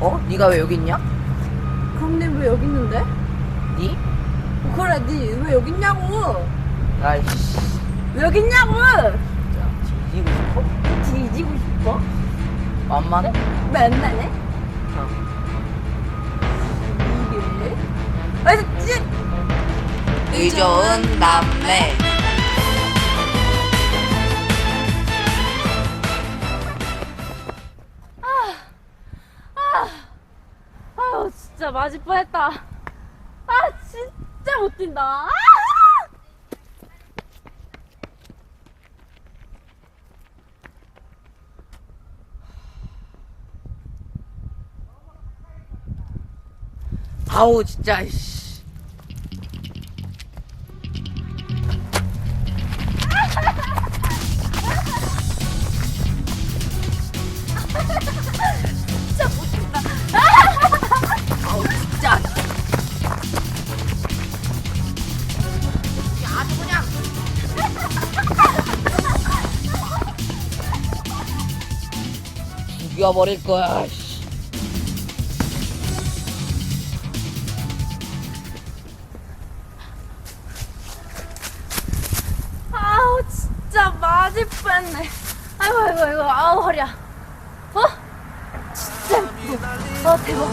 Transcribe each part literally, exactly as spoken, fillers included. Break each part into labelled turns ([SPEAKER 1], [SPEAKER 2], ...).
[SPEAKER 1] 어? 네가 왜 여기 있냐?
[SPEAKER 2] 그럼 내 왜 여기 있는데?
[SPEAKER 1] 니?
[SPEAKER 2] 그래, 니 왜 여기 있냐고?
[SPEAKER 1] 아이씨.
[SPEAKER 2] 왜 여기 있냐고?
[SPEAKER 1] 진짜 뒤지고 싶어?
[SPEAKER 2] 뒤지고 싶어?
[SPEAKER 1] 만만해?
[SPEAKER 2] 맨날해?
[SPEAKER 1] 어.
[SPEAKER 2] 이게? 아, 진짜.
[SPEAKER 1] 의좋은 남매.
[SPEAKER 2] 아유, 진짜 맞을 뻔했다. 아, 진짜 못 뛴다. 아!
[SPEAKER 1] 아우 진짜 씨.
[SPEAKER 2] 진짜 못 뛴다.
[SPEAKER 1] 아우 진짜. 야, 아주 그냥. 죽여버릴 거야. 씨.
[SPEAKER 2] 아우, 진짜 맞을 뻔했네. 아이고, 아이고, 아이고, 아우, 허리야. 어? 진짜 예뻐. 어, 대박.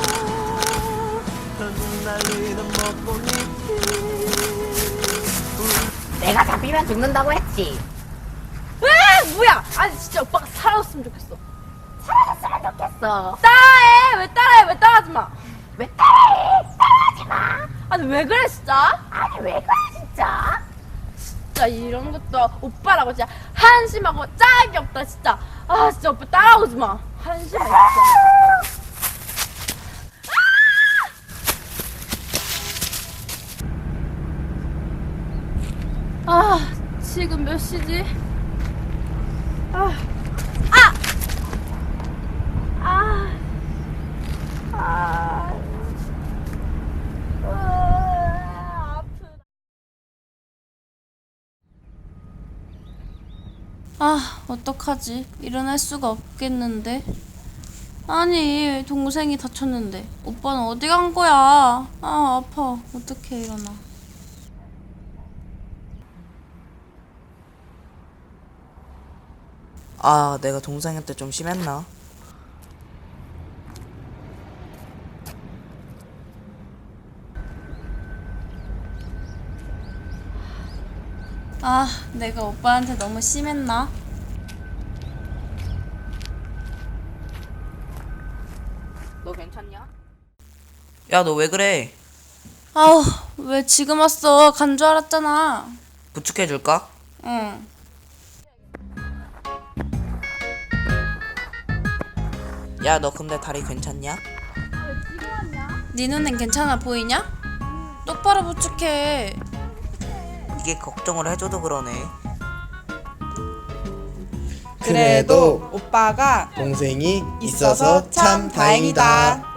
[SPEAKER 1] 내가 잡히면 죽는다고 했지.
[SPEAKER 2] 에 뭐야? 아니, 진짜 오빠가 사라졌으면 좋겠어.
[SPEAKER 1] 사라졌으면 좋겠어.
[SPEAKER 2] 따라해! 왜 따라해? 왜 따라하지 마?
[SPEAKER 1] 왜 따라해? 따라하지 마.
[SPEAKER 2] 아니, 왜 그래, 진짜?
[SPEAKER 1] 아니 왜 그래 진짜?
[SPEAKER 2] 진짜 이런 것도 오빠라고 진짜 한심하고 짝이 없다, 진짜. 아, 진짜 오빠 따라오지 마. 한심해, 진짜. 아, 지금 몇 시지? 아, 아! 아, 아, 아, 아프다.
[SPEAKER 3] 아, 어떡하지? 일어날 수가 없겠는데? 아니, 동생이 다쳤는데 오빠는 어디 간 거야? 아, 아파. 어떻게 일어나?
[SPEAKER 4] 아, 내가 동생한테 좀 심했나?
[SPEAKER 3] 아, 내가 오빠한테 너무 심했나?
[SPEAKER 1] 너 괜찮냐?
[SPEAKER 4] 야, 너 왜 그래?
[SPEAKER 3] 아우, 왜 지금 왔어? 간 줄 알았잖아.
[SPEAKER 4] 부축해줄까?
[SPEAKER 3] 응.
[SPEAKER 4] 야, 너 근데 다리 괜찮냐?
[SPEAKER 3] 네 눈엔 괜찮아 보이냐? 똑바로 부축해.
[SPEAKER 4] 이게 걱정을 해줘도 그러네.
[SPEAKER 5] 그래도 오빠가 동생이 있어서 참 다행이다.